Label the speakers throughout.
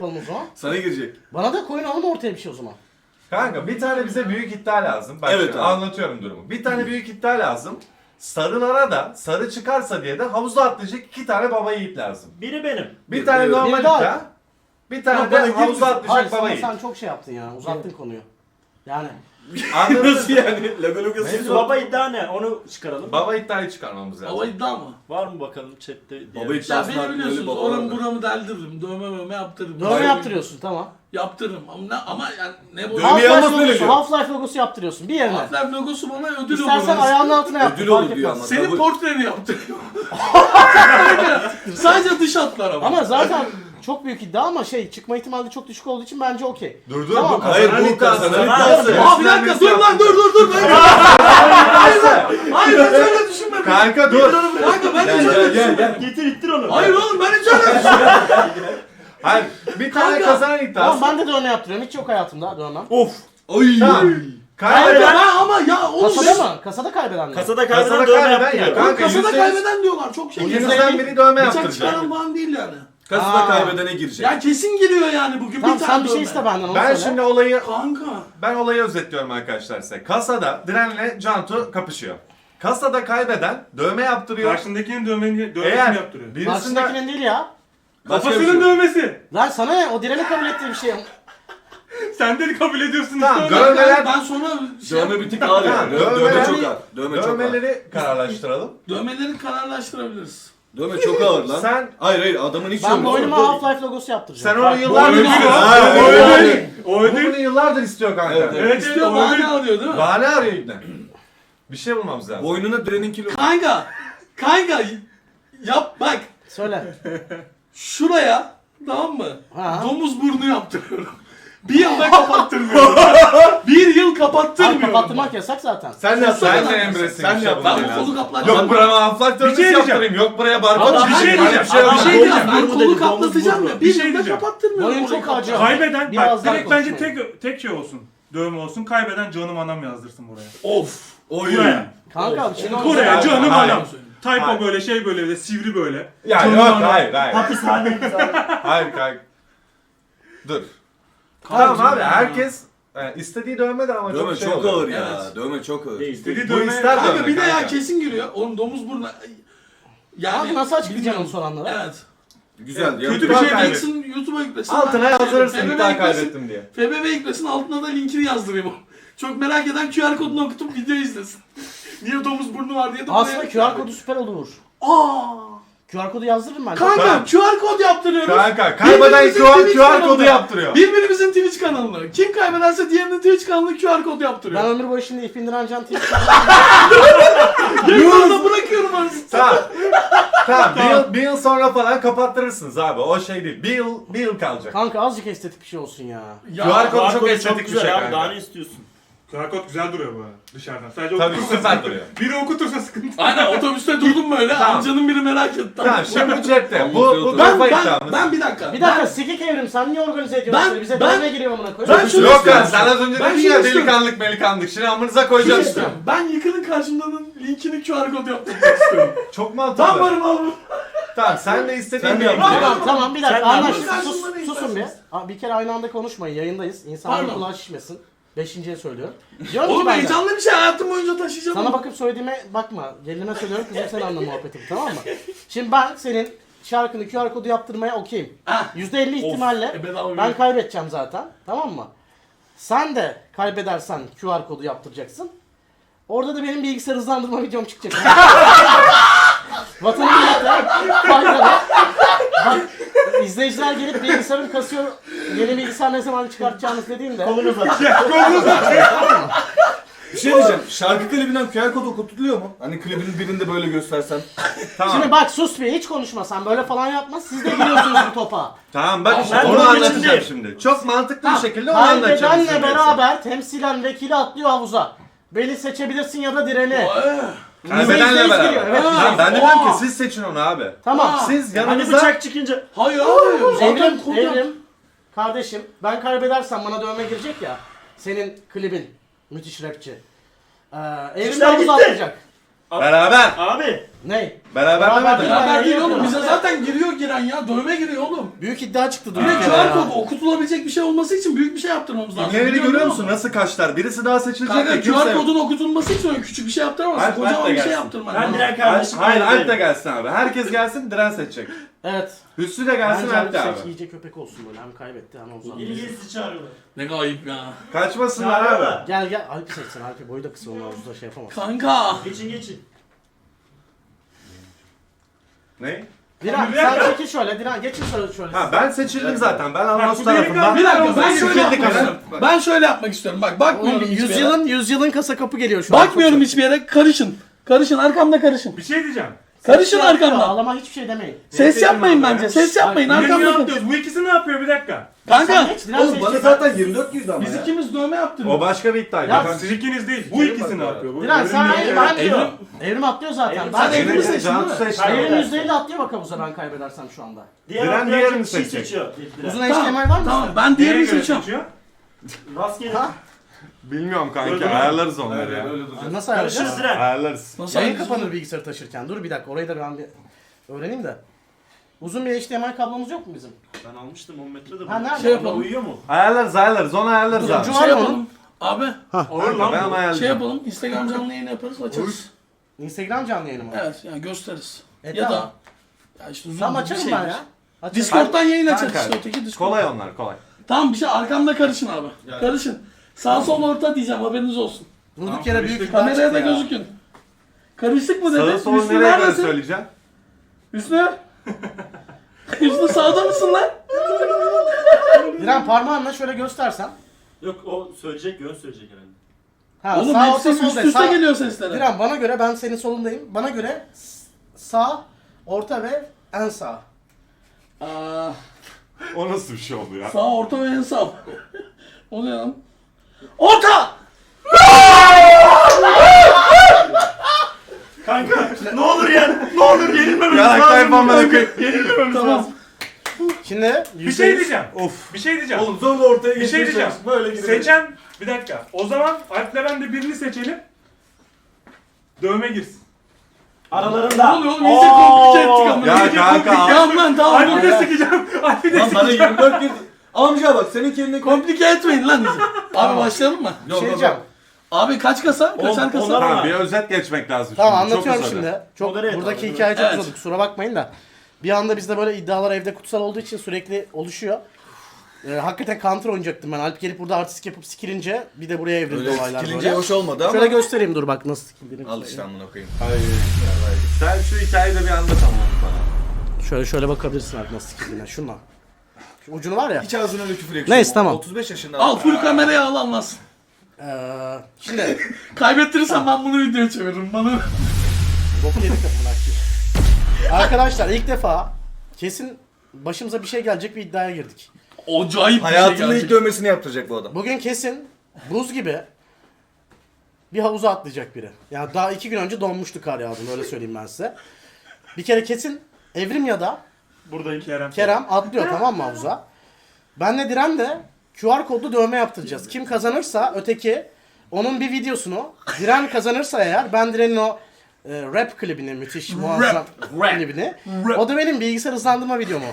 Speaker 1: o zaman.
Speaker 2: Sana girecek.
Speaker 1: Bana da koyun alın ortaya bir şey o zaman.
Speaker 3: Kanka bir tane bize büyük iddia lazım. Bak
Speaker 2: Evet
Speaker 3: şimdi
Speaker 2: abi.
Speaker 3: anlatıyorum durumu. Bir tane büyük iddia lazım. Sarılara da sarı çıkarsa diye de havuza atlayacak 2 tane baba yiğit lazım.
Speaker 4: Biri benim.
Speaker 3: Bir tane
Speaker 2: Evet.
Speaker 3: normal
Speaker 1: Bir daha-
Speaker 3: iddia. Bir tane
Speaker 2: Yok,
Speaker 3: de
Speaker 2: bana gir
Speaker 3: havuza
Speaker 2: misin?
Speaker 1: Hayır
Speaker 3: atlayacak baba yiğit.
Speaker 1: sen çok şey yaptın ya. Uzattın konuyu. Yani
Speaker 3: Anladın
Speaker 2: Nasıl
Speaker 3: mı?
Speaker 2: yani? Lagalogası
Speaker 3: Mevzu-
Speaker 2: baba.
Speaker 4: Baba iddia ne? Onu çıkaralım.
Speaker 3: Baba iddiayı çıkarmamız lazım.
Speaker 5: Hava iddia mı?
Speaker 4: Var mı bakalım chatte? diye.
Speaker 2: Baba
Speaker 5: Ya
Speaker 2: iddiası
Speaker 5: beni biliyorsunuz
Speaker 2: baba
Speaker 5: oramı
Speaker 2: vardı.
Speaker 5: buramı deldiririm. Dövme yaptırırım.
Speaker 1: dövme
Speaker 2: Hayır.
Speaker 1: yaptırıyorsun tamam.
Speaker 5: Yaptırırım ama yani ne bu?
Speaker 2: Dövme- Dövmeyi
Speaker 1: Half-Life
Speaker 2: almasın öyle
Speaker 1: logosu,
Speaker 2: diyor.
Speaker 1: Half-Life logosu yaptırıyorsun bir yerine.
Speaker 5: Half-Life logosu bana ödül olur.
Speaker 1: İstersen ayağının altına yaptır.
Speaker 2: Ödül
Speaker 1: fark
Speaker 2: olur diyor
Speaker 1: etmez.
Speaker 2: ama.
Speaker 5: Senin
Speaker 2: Kabul-
Speaker 5: portreni yaptırıyorum. Sadece dış hatlar ama.
Speaker 1: Ama zaten çok büyük iddia ama çıkma ihtimali çok düşük olduğu için bence okey.
Speaker 3: Dur
Speaker 1: Tamam.
Speaker 3: bu
Speaker 2: Hayır
Speaker 3: kazanan
Speaker 2: bu
Speaker 3: iddiası.
Speaker 2: kazanan
Speaker 4: Kazanan
Speaker 2: iddiası.
Speaker 5: Aa bir dakika dur lan dur. Hayır ben öyle düşünmedim.
Speaker 3: Kanka dur.
Speaker 5: Kanka ben hiç öyle düşünmedim.
Speaker 4: Getir ittir onu.
Speaker 5: Hayır oğlum ben hiç öyle düşünmedim.
Speaker 3: Hayır bir tane
Speaker 5: Kanka.
Speaker 3: kazanan iddiası.
Speaker 1: Tamam ben de dövme yaptırıyorum. Hiç yok hayatımda dövmem.
Speaker 2: Of. Ay.
Speaker 3: Tamam.
Speaker 5: Hayır
Speaker 3: Kaybeden.
Speaker 5: ben ama ya oğlum
Speaker 1: Kasada mı? Kasada kaybeden mi?
Speaker 4: Kasada
Speaker 3: Kasada
Speaker 4: kaybeden dövme
Speaker 3: kaybeden
Speaker 4: yaptırıyor.
Speaker 3: ya. Kanka,
Speaker 5: kasada
Speaker 3: %100
Speaker 5: kaybeden diyorlar çok şey.
Speaker 3: İkinizden biri dövme
Speaker 5: Bıçak
Speaker 3: yaptıracak.
Speaker 5: çıkaran falan değil yani.
Speaker 2: Kasada
Speaker 1: Aa.
Speaker 2: kaybedene girecek.
Speaker 5: Ya kesin giriyor yani bugün
Speaker 1: Tamam
Speaker 5: bir
Speaker 1: sen
Speaker 5: tane
Speaker 1: bir şey
Speaker 5: dövme.
Speaker 1: iste benden onu
Speaker 3: Ben
Speaker 1: söyle.
Speaker 3: şimdi olayı
Speaker 5: Kanka.
Speaker 3: özetliyorum size. Kasada Diren'le Cantu kapışıyor. Kasada kaybeden dövme yaptırıyor.
Speaker 6: Karşındakinin dövmesini
Speaker 3: Eğer
Speaker 6: yaptırıyor.
Speaker 3: birisinde
Speaker 1: Karşındakinin değil ya.
Speaker 2: Başka bir
Speaker 6: Kafasının
Speaker 2: şey.
Speaker 6: dövmesi.
Speaker 1: Lan sana ne? O direni kabul ettiği bir şey.
Speaker 6: Sen de kabul ediyorsun
Speaker 3: Tamam,
Speaker 6: işte.
Speaker 3: dövmeler-
Speaker 5: Ben sonra
Speaker 2: Dövme bir tık ağır
Speaker 3: Tamam,
Speaker 2: yani. Dövme
Speaker 3: dövmeleri-
Speaker 2: çok ağır. Dövme çok ağır.
Speaker 3: dövmeleri kararlaştıralım.
Speaker 5: dövmeleri kararlaştırabiliriz.
Speaker 2: Dövme çok ağır lan.
Speaker 3: Sen-
Speaker 2: Hayır adamın hiç
Speaker 1: Ben
Speaker 2: yok.
Speaker 1: boynuma Half-Life logosu yaptıracağım.
Speaker 3: Sen onu yıllardır
Speaker 6: ödül
Speaker 3: istiyorsun.
Speaker 6: o.
Speaker 3: Ha,
Speaker 6: O
Speaker 3: o
Speaker 6: ödül.
Speaker 3: ödül.
Speaker 6: O
Speaker 3: Bu
Speaker 6: ödül.
Speaker 3: bunu yıllardır istiyor kanka.
Speaker 2: Evet, evet.
Speaker 6: Evet,
Speaker 5: İstiyor
Speaker 6: o
Speaker 5: bahane
Speaker 6: ödül.
Speaker 5: alıyor değil mi?
Speaker 3: Bahane arıyor ibne. Bir şey bulmamız lazım.
Speaker 2: Boynuna direnin kilo.
Speaker 5: Kanka yap bak
Speaker 1: Söyle.
Speaker 5: şuraya tamam mı?
Speaker 1: Ha.
Speaker 5: Domuz burnu yaptırıyorum. Bir yılda kapattırmıyorum. Bir yıl
Speaker 1: Abi
Speaker 5: kapattırmıyorum.
Speaker 1: kapattırmak yasak zaten.
Speaker 3: Sen de
Speaker 5: Sen
Speaker 3: sen de
Speaker 5: de-
Speaker 3: Emre'sin.
Speaker 2: sen
Speaker 3: bir şey
Speaker 2: yap.
Speaker 3: bulman
Speaker 5: Ben bu
Speaker 3: lazım.
Speaker 5: kolu kaplatacağım.
Speaker 3: Yok burama aflak dövmesi
Speaker 6: şey diyeceğim.
Speaker 3: yaptırayım. Yok buraya barkod
Speaker 1: Ama
Speaker 6: bir şey
Speaker 3: çizeyim.
Speaker 6: diyeceğim.
Speaker 3: Bir şey
Speaker 6: Ama
Speaker 3: yok.
Speaker 6: bir
Speaker 5: Bir
Speaker 6: şey
Speaker 5: şey
Speaker 6: diyeceğim.
Speaker 5: Ben
Speaker 4: Burnu
Speaker 5: kolu
Speaker 4: dedi,
Speaker 5: kaplatacağım
Speaker 4: domuz
Speaker 5: ya.
Speaker 4: burnu.
Speaker 5: Bir
Speaker 6: Bir şey
Speaker 5: yılda
Speaker 6: diyeceğim.
Speaker 5: kapattırmıyorum.
Speaker 1: Boyun
Speaker 5: orayı
Speaker 1: çok acıyor.
Speaker 6: Kaybeden
Speaker 1: Biraz
Speaker 6: bak
Speaker 1: daha
Speaker 6: direkt bence
Speaker 1: konuşmayın.
Speaker 6: tek şey olsun. Dövme olsun. Kaybeden canım anam yazdırsın buraya.
Speaker 5: Of.
Speaker 2: Oy.
Speaker 6: Buraya.
Speaker 1: Kanka şimdi
Speaker 6: Buraya
Speaker 3: Hayır,
Speaker 6: canım
Speaker 3: hayır.
Speaker 6: anam.
Speaker 3: Hayır.
Speaker 6: Typo böyle şey böyle de sivri böyle.
Speaker 3: Ya
Speaker 6: Canım
Speaker 3: yok
Speaker 6: anam.
Speaker 3: hayır.
Speaker 4: Hapishane.
Speaker 3: Hayır kanka. Dur.
Speaker 5: Kanka,
Speaker 3: Tamam abi herkes istediği dövme de ama
Speaker 2: Dövme
Speaker 3: çok şey
Speaker 2: çok
Speaker 3: oluyor.
Speaker 2: ağır ya.
Speaker 5: Evet.
Speaker 2: Dövme çok ağır.
Speaker 4: Değil.
Speaker 6: İstediği
Speaker 3: Bu
Speaker 6: dövme.
Speaker 3: ister
Speaker 5: Kanka
Speaker 3: dövme
Speaker 5: bir de ya
Speaker 3: kanka.
Speaker 5: kesin giriyor. Oğlum domuz burnu. Yani
Speaker 1: Abi nasıl açıklayacaksın
Speaker 5: bilmiyorum.
Speaker 1: onu soranlara?
Speaker 5: Evet.
Speaker 2: Güzel.
Speaker 6: Kötü bir
Speaker 3: Bak
Speaker 6: şey
Speaker 3: kaybet.
Speaker 5: Yüklesin YouTube'a yüklesin.
Speaker 3: Altına
Speaker 5: Ben-
Speaker 3: yazdırırsın
Speaker 5: FBB
Speaker 3: iddia
Speaker 5: yüklesin.
Speaker 3: kaybettim diye.
Speaker 5: FBB yüklesin altına da linkini yazdırayım. Çok merak eden QR kodunu okutup video izlesin. Niye domuz burnu var diye de
Speaker 1: Aslında
Speaker 5: buraya-
Speaker 1: QR kodu süper olur.
Speaker 5: Aa!
Speaker 1: QR kodu yazdırırım ben.
Speaker 5: Kanka
Speaker 3: Tamam.
Speaker 5: QR kod yaptırıyoruz.
Speaker 3: Kanka kaybeden
Speaker 5: Birbirimizin
Speaker 3: QR
Speaker 5: Twitch
Speaker 3: kodu
Speaker 5: kanalına.
Speaker 3: yaptırıyor.
Speaker 5: Birbirimizin Twitch kanalına. Kim kaybederse diğerinin Twitch kanalına QR kod yaptırıyor.
Speaker 1: Ben ömür boyu şimdi ip indiren can tip.
Speaker 5: Yayında bırakıyorum arasını.
Speaker 3: Tamam. Tamam bir yıl sonra falan kapattırırsınız abi. O şey değil. Bir yıl kalacak.
Speaker 1: Kanka azıcık estetik bir şey olsun ya.
Speaker 3: QR kodu çok
Speaker 4: Barkodu
Speaker 3: estetik bir
Speaker 4: güzel
Speaker 3: şey
Speaker 4: abi.
Speaker 3: kanka.
Speaker 4: Daha ne istiyorsun?
Speaker 6: QR kod güzel duruyor bu arada dışarıdan. Sadece
Speaker 3: Tabii
Speaker 6: okutursa
Speaker 3: süper
Speaker 6: sıkıntı.
Speaker 3: duruyor.
Speaker 6: Biri okutursa sıkıntı.
Speaker 5: Aynen otobüste durdum böyle.
Speaker 3: Tamam.
Speaker 5: Amcanın biri merak etti.
Speaker 3: Tamam şimdi bu cepte. Bu
Speaker 5: Ben,
Speaker 3: kafa
Speaker 5: ben,
Speaker 3: iddiamız.
Speaker 5: ben bir dakika.
Speaker 1: Bir dakika sikik evrim sen niye organize ediyorsun?
Speaker 5: Ben-
Speaker 1: Bize
Speaker 5: ben-
Speaker 1: dövme giriyor amına koyayım.
Speaker 5: Ben şunu
Speaker 3: Yok
Speaker 5: istiyorum.
Speaker 3: lan sen az önce
Speaker 5: Ben
Speaker 3: dedin
Speaker 5: şunu
Speaker 3: ya
Speaker 5: istiyorum.
Speaker 3: delikanlık melikanlık. Şimdi amınıza
Speaker 5: Şunu
Speaker 3: koyacağız.
Speaker 5: istiyorum. Ben Yıkıl'ın karşımdanın linkini QR kod yaptırmak istiyorum.
Speaker 3: Çok mantıklı.
Speaker 5: Ben varım abi.
Speaker 3: Tamam sen de istediğin
Speaker 2: Sen de
Speaker 3: gibi.
Speaker 2: yap.
Speaker 1: Tamam bir dakika
Speaker 4: Sen ne
Speaker 1: anlaştık.
Speaker 5: yapıyorsun?
Speaker 1: Susun bir.
Speaker 5: İsterseniz.
Speaker 1: Abi, bir kere aynı anda konuşmayın yayındayız. İnsanların
Speaker 5: Pardon.
Speaker 1: kulağı şişmesin. Beşinciye söylüyorum. Diyorum ki
Speaker 5: Oğlum
Speaker 1: ben de,
Speaker 5: heyecanlı bir şey hayatım boyunca taşıyacağım.
Speaker 1: sana bakıp söylediğime bakma. Gelinime söylüyorum kızım sen anla muhabbetimi tamam mı? Şimdi ben senin şarkını QR kodu yaptırmaya okeyim.
Speaker 5: Ah.
Speaker 1: %50 ihtimalle
Speaker 5: bedava
Speaker 1: ben
Speaker 5: bir-
Speaker 1: kaybedeceğim zaten. Tamam mı? Sen de kaybedersen QR kodu yaptıracaksın. Orada da benim bilgisayar hızlandırma videom çıkacak. Vatanı millete faydalı. Bak izleyiciler gelip bilgisayarım kasıyor. Yeni bilgisayar ne zaman çıkartacağınız dediğimde.
Speaker 4: Kolunu uzat.
Speaker 2: Bir şey diyeceğim. Şarkı klibinden QR kod okutuluyor mu? Hani klibin birinde böyle göstersen.
Speaker 3: Tamam.
Speaker 1: Şimdi bak sus bir hiç konuşma sen böyle falan yapma siz de giriyorsunuz bu topa.
Speaker 3: Tamam bak işte
Speaker 4: ben
Speaker 3: onu
Speaker 4: de
Speaker 3: anlatacağım
Speaker 4: geçimdeyim.
Speaker 3: şimdi. Çok mantıklı bir şekilde onu anlatacağım.
Speaker 1: Kaybedenle
Speaker 3: size.
Speaker 1: beraber temsilen vekili atlıyor havuza. Beni seçebilirsin ya da direni.
Speaker 3: Kaybedenle
Speaker 1: %100
Speaker 3: beraber.
Speaker 1: giriyor, evet.
Speaker 3: Tamam, ben de
Speaker 5: Aa.
Speaker 3: diyorum ki siz seçin onu abi.
Speaker 1: Tamam.
Speaker 3: Siz
Speaker 4: Hani
Speaker 3: yanınıza...
Speaker 4: bıçak çıkınca.
Speaker 5: Hayır abi. Zaten
Speaker 1: Evrim,
Speaker 5: kod
Speaker 1: Evrim, kardeşim ben kaybedersem bana dövme girecek ya. Senin klibin müthiş rapçi. Evrim de
Speaker 4: İşler
Speaker 1: havuza
Speaker 4: gitti.
Speaker 1: atlayacak.
Speaker 3: Beraber.
Speaker 4: Abi
Speaker 1: Ne?
Speaker 3: Beraber demedim.
Speaker 5: Beraber değil oğlum. Bize zaten giren ya. Dövme giriyor oğlum.
Speaker 1: Büyük iddia çıktı.
Speaker 5: Bir de QR kodu okutulabilecek bir şey olması için büyük bir şey yaptırmamız lazım.
Speaker 3: İbneleri
Speaker 5: Biliyor
Speaker 3: görüyor
Speaker 5: musun?
Speaker 3: musun? Nasıl kaçlar? Birisi daha seçilecek
Speaker 5: Kanka
Speaker 3: de kimse
Speaker 5: QR
Speaker 3: yok.
Speaker 5: kodun okutulması için öyle küçük bir şey yaptıramazsın.
Speaker 3: Alp de
Speaker 5: Kocaman bir şey
Speaker 3: gelsin.
Speaker 5: yaptırman
Speaker 4: Ben
Speaker 5: lazım.
Speaker 4: direkt kardeşim.
Speaker 3: Hayır Alp de gelsin abi. Herkes gelsin, Diren seçecek.
Speaker 1: Evet.
Speaker 3: Hüsnü de gelsin,
Speaker 1: Bence
Speaker 3: Alp de
Speaker 1: abi
Speaker 3: abi.
Speaker 1: iyice köpek olsun böyle. Hem kaybetti hem uzattı.
Speaker 4: İlgisi çağırıyorlar.
Speaker 5: Ne gayip ya.
Speaker 3: Kaçmasınlar abi.
Speaker 1: Gel gel Alp'i seçsin. Alp'i boyu da kısa, onu havuzda şey yapamaz.
Speaker 5: Kanka.
Speaker 4: Geçin.
Speaker 3: Ne?
Speaker 1: Diren
Speaker 4: Bir dakika.
Speaker 1: sen çekil şöyle. Diren geçin şöyle.
Speaker 3: Ha ben seçildim zaten. Ben Almas
Speaker 6: bu
Speaker 3: tarafından.
Speaker 5: Bir dakika ben şöyle
Speaker 3: Sikildik
Speaker 5: yapmak
Speaker 3: abi.
Speaker 5: istiyorum. Ben şöyle yapmak istiyorum. Bak bakmıyorum hiçbir yere.
Speaker 1: Yüzyılın kasa kapı geliyor şu an.
Speaker 5: Bakmıyorum hiçbir yere. Karışın. Karışın arkamda karışın.
Speaker 6: Bir şey diyeceğim.
Speaker 5: Karışın arkamda.
Speaker 1: Ağlama hiçbir şey demeyin.
Speaker 5: Ses yapmayın bence. Ses yapmayın
Speaker 6: Ne
Speaker 5: arkamda.
Speaker 6: yapıyoruz? Bu ikisi ne yapıyor bir dakika?
Speaker 5: Kanka.
Speaker 1: Geç, Diren
Speaker 2: Oğlum
Speaker 1: seç.
Speaker 2: bana zaten 24 yüzdü ama
Speaker 5: Biz
Speaker 2: ya.
Speaker 5: ikimiz dövme yaptırdık.
Speaker 3: O başka bir iddiaydı.
Speaker 1: Ya,
Speaker 3: Ben-
Speaker 6: Siz ikiniz değil. Bu ikisi ne yapıyor? Bu
Speaker 1: Diren sen
Speaker 6: evrim
Speaker 1: ben
Speaker 6: değil.
Speaker 1: diyor. Evrim atlıyor zaten.
Speaker 4: Evrim-
Speaker 1: Ben
Speaker 5: Sen
Speaker 1: Evrim
Speaker 5: Evrim'i seçtin
Speaker 3: Cansu
Speaker 5: değil mi?
Speaker 3: seçti.
Speaker 1: Evrim %50 atlıyor bak havuza ben kaybedersem şu anda.
Speaker 3: Diren diğerini seçecek.
Speaker 1: Uzun
Speaker 5: Tamam,
Speaker 1: HDMI var mı?
Speaker 5: tamam
Speaker 1: sizde?
Speaker 5: ben
Speaker 6: Neye
Speaker 5: diğerini
Speaker 6: göre
Speaker 5: seçiyorum.
Speaker 6: seçiyor?
Speaker 4: Rastgele.
Speaker 1: Ha?
Speaker 3: Bilmiyorum kanka.
Speaker 4: Gördün mü?
Speaker 3: Ayarlarız onları ya.
Speaker 2: Öyle duracak.
Speaker 1: Nasıl ayarlayacağız?
Speaker 4: Karışırız Diren.
Speaker 3: Ayarlarız.
Speaker 5: Nasıl
Speaker 1: Yayın
Speaker 5: ayıracağız?
Speaker 1: kapanır bilgisayarı taşırken. Dur bir dakika orayı da ben bir öğreneyim de. Uzun bir HDMI kablomuz yok mu bizim?
Speaker 4: Ben almıştım 10 metre de.
Speaker 1: Ha, nerede?
Speaker 5: Şey yapalım.
Speaker 4: Uyuyor mu?
Speaker 3: Ayarlarız. Onu ayarlarız abi.
Speaker 1: Ucu
Speaker 5: Şey
Speaker 1: var mı
Speaker 5: yapalım.
Speaker 1: onun?
Speaker 5: Abi
Speaker 6: Olur lan
Speaker 3: Ben
Speaker 6: bu.
Speaker 3: ayarlayacağım.
Speaker 5: şey yapalım. Instagram canlı yayını yaparız açarız.
Speaker 1: Instagram canlı yayını mı?
Speaker 5: Evet yani gösteririz. Ya
Speaker 1: tamam.
Speaker 5: da ya işte Zoom
Speaker 1: Tamam
Speaker 5: gibi bir
Speaker 1: açarım
Speaker 5: şeydir.
Speaker 1: ben ya. Açarım.
Speaker 5: Discord'dan yayın açarız
Speaker 3: Kanka,
Speaker 5: işte öteki Discord.
Speaker 3: Kolay onlar kolay.
Speaker 5: Tamam bir şey arkamda karışın abi. Karışın. Sağ sol orta diyeceğim haberiniz olsun.
Speaker 1: Durduk yere büyük iddia
Speaker 5: Kameraya
Speaker 1: çıktı
Speaker 5: da
Speaker 1: ya.
Speaker 5: gözükün. Karıştık mı dedi?
Speaker 3: Sağı solu
Speaker 5: Hüsnü
Speaker 3: nereye göre
Speaker 5: neredesin?
Speaker 3: söyleyeceğim?
Speaker 5: Hüsnü? Hüsnü sağda mısın lan?
Speaker 1: Diren parmağınla şöyle göstersen.
Speaker 4: Yok o söyleyecek yön söyleyecek herhalde.
Speaker 1: Ha,
Speaker 5: Oğlum
Speaker 1: sağ
Speaker 5: hepsi
Speaker 1: orta sol
Speaker 5: üst
Speaker 1: de.
Speaker 5: üste
Speaker 1: Sağ...
Speaker 5: geliyor sesler.
Speaker 1: Diren bana göre ben senin solundayım. Bana göre sağ, orta ve en sağ.
Speaker 5: Aa,
Speaker 3: O nasıl bir şey oldu ya?
Speaker 5: sağ orta ve en sağ. O ne lan? Orta!
Speaker 4: Kanka ne olur yani. Ne olur yenilmememiz
Speaker 3: Yaraklar
Speaker 4: lazım.
Speaker 3: yapmamaya koyayım.
Speaker 4: Yenilmememiz
Speaker 5: Tamam.
Speaker 4: lazım.
Speaker 1: Şimdi
Speaker 6: Bir şey diyeceğim. Bir şey diyeceğim.
Speaker 2: Oğlum zorla ortaya
Speaker 6: Bir şey
Speaker 2: geçmeye
Speaker 6: diyeceğim.
Speaker 2: çalış. Böyle gidelim.
Speaker 6: Seçen bir dakika. O zaman Alp'le ben de birini seçelim. Dövme girsin.
Speaker 5: Ne
Speaker 4: Aralarında.
Speaker 5: oluyor oğlum? İyice komplike ettik ama.
Speaker 3: Ya
Speaker 5: İyice
Speaker 3: kanka,
Speaker 5: komplike. Tamam ben tamam.
Speaker 6: Alp'i de sıkacağım. Alp'i de
Speaker 2: Lan bana
Speaker 6: sıkacağım.
Speaker 2: 24 yüzdü. Amca bak senin kendine
Speaker 5: Komplike etmeyin lan bizi. Abi başlayalım mı?
Speaker 1: bir şey diyeceğim.
Speaker 5: Abi kaç kasa? Kaçar kasa?
Speaker 4: onlar-
Speaker 3: Tamam bir özet geçmek lazım.
Speaker 1: Tamam
Speaker 3: şimdi. Çok
Speaker 1: anlatıyorum
Speaker 3: uzadı.
Speaker 1: şimdi. Çok
Speaker 4: Modere et
Speaker 1: buradaki
Speaker 4: abi,
Speaker 1: hikaye çok
Speaker 5: evet.
Speaker 1: uzadı. Kusura bakmayın da. Bir anda bizde böyle iddialar evde kutsal olduğu için sürekli oluşuyor. Hakikaten counter oynayacaktım ben. Alp gelip burada artistik yapıp sikilince bir de buraya evrildi
Speaker 2: Öyle
Speaker 1: olaylar
Speaker 2: sikilince
Speaker 1: böyle.
Speaker 2: hoş olmadı ama.
Speaker 1: Şöyle göstereyim dur bak nasıl sikildiğini.
Speaker 2: Al işte amına koyayım.
Speaker 3: Sen şu hikayeyi de bir anlat ama bana.
Speaker 1: Şöyle bakabilirsin Alp nasıl sikildiğine. Şunla. Şu ucunu var ya.
Speaker 2: Hiç ağzına öyle küfür yakışıyor.
Speaker 1: Neyse, tamam.
Speaker 2: 35 yaşında.
Speaker 5: Al full kameraya al anlasın.
Speaker 1: Şimdi
Speaker 5: Kaybettirirsen ben bunu videoya çeviririm bana.
Speaker 1: boku yedik amına koyayım. Arkadaşlar ilk defa kesin başımıza bir şey gelecek bir iddiaya girdik.
Speaker 5: Acayip bir şey
Speaker 2: Hayatında ilk
Speaker 5: gelecek.
Speaker 2: dövmesini yaptıracak bu adam.
Speaker 1: Bugün kesin buz gibi bir havuza atlayacak biri. Yani daha 2 gün önce donmuştu kar yağdığında öyle söyleyeyim ben size. Bir kere kesin Evrim ya da
Speaker 6: Buradayım Kerem.
Speaker 1: Kerem atlıyor tamam mı havuza? Benle Diren de QR kodlu dövme yaptıracağız. Kim kazanırsa öteki onun bir videosunu Diren kazanırsa eğer ben Diren'in o rap klibini müthiş muazzam klibini o da benim bilgisayar hızlandırma videomu